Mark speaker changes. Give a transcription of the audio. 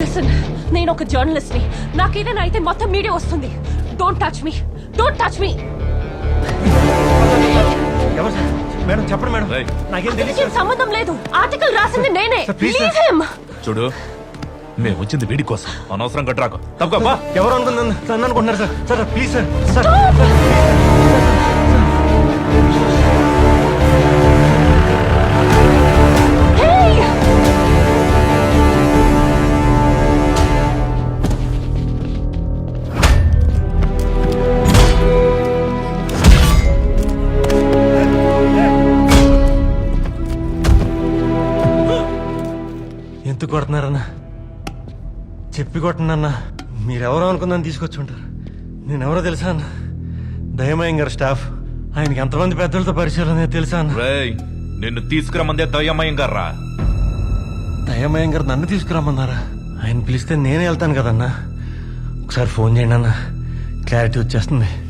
Speaker 1: Listen, నేను ఒక journalist ని. నాకేదైనా అయితే మొత్తం మీడియా వస్తుంది. Don't touch me, don't touch me.
Speaker 2: ఎవరు సార్? మేడం చెప్పండి మేడం,
Speaker 3: రేయ్.
Speaker 2: నాకేం తెలియదు
Speaker 1: అతనికి సంబంధం లేదు. ఆర్టికల్ రాసింది నేనే.
Speaker 2: Sir, please
Speaker 1: Leave
Speaker 2: sir.
Speaker 1: him.
Speaker 3: చూడు, మేము వచ్చింది వీడి కోసం, అనవసరం కట్టరాకు. తప్పక
Speaker 2: ఎవరు అనుకున్నాను సార్ అనుకుంటున్నారు sir. Sir please sir. Sir
Speaker 1: Hey!
Speaker 2: ఎందుకు కొడుతున్నారన్నా? చెప్పి కొట్టనన్నా. మీరెవరో అనుకుందని తీసుకొచ్చి ఉంటారు. నేనెవరో తెలుసా అన్న? దయమయం గారు స్టాఫ్. ఆయనకి ఎంతమంది పెద్దలతో పరిచయాలు అనేది తెలుసా అన్న?
Speaker 3: రేయ్, నిన్ను తీసుకురమ్మందే దయ్యమయం గారా.
Speaker 2: దయమయం గారు నన్ను తీసుకురమ్మన్నారా? ఆయన పిలిస్తే నేనే వెళ్తాను కదన్నా. ఒకసారి ఫోన్ చేయండి అన్న, క్లారిటీ వచ్చేస్తుంది.